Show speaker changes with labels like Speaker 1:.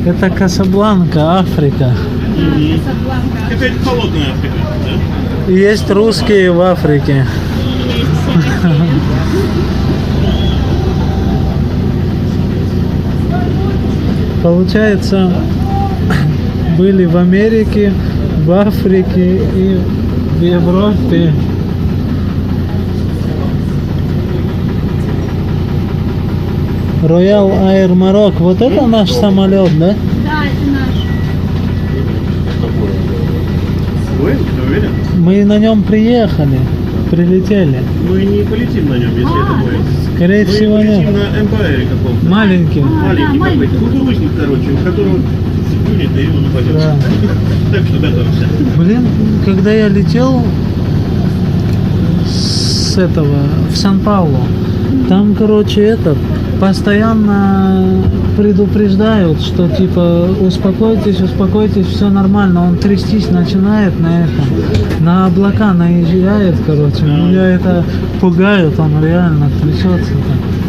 Speaker 1: Это Касабланка, Африка.
Speaker 2: Это холодная Африка, да?
Speaker 1: Есть русские в Африке. Получается, были в Америке, в Африке и в Европе. Royal Air Maroc. Вот это наш самолет, да?
Speaker 3: Да, это наш.
Speaker 2: Свой? Ты уверен?
Speaker 1: Мы на нем приехали, прилетели.
Speaker 2: Мы не полетим на нем, если это будет.
Speaker 1: Скорее
Speaker 2: Мы
Speaker 1: всего,
Speaker 2: полетим
Speaker 1: нет.
Speaker 2: на МПРе каком-то.
Speaker 1: Маленький.
Speaker 2: Маленький
Speaker 3: Да,
Speaker 2: какой-то. Кукурузник, короче, у которого сплюнет, и он упадет.
Speaker 1: Да.
Speaker 2: Так что готовься.
Speaker 1: Блин, когда я летел с этого в Сан-Паулу, там, короче, постоянно предупреждают, что типа успокойтесь, успокойтесь, все нормально. Он трястись начинает на облака наезжает, короче. Меня это пугает, он реально трясется.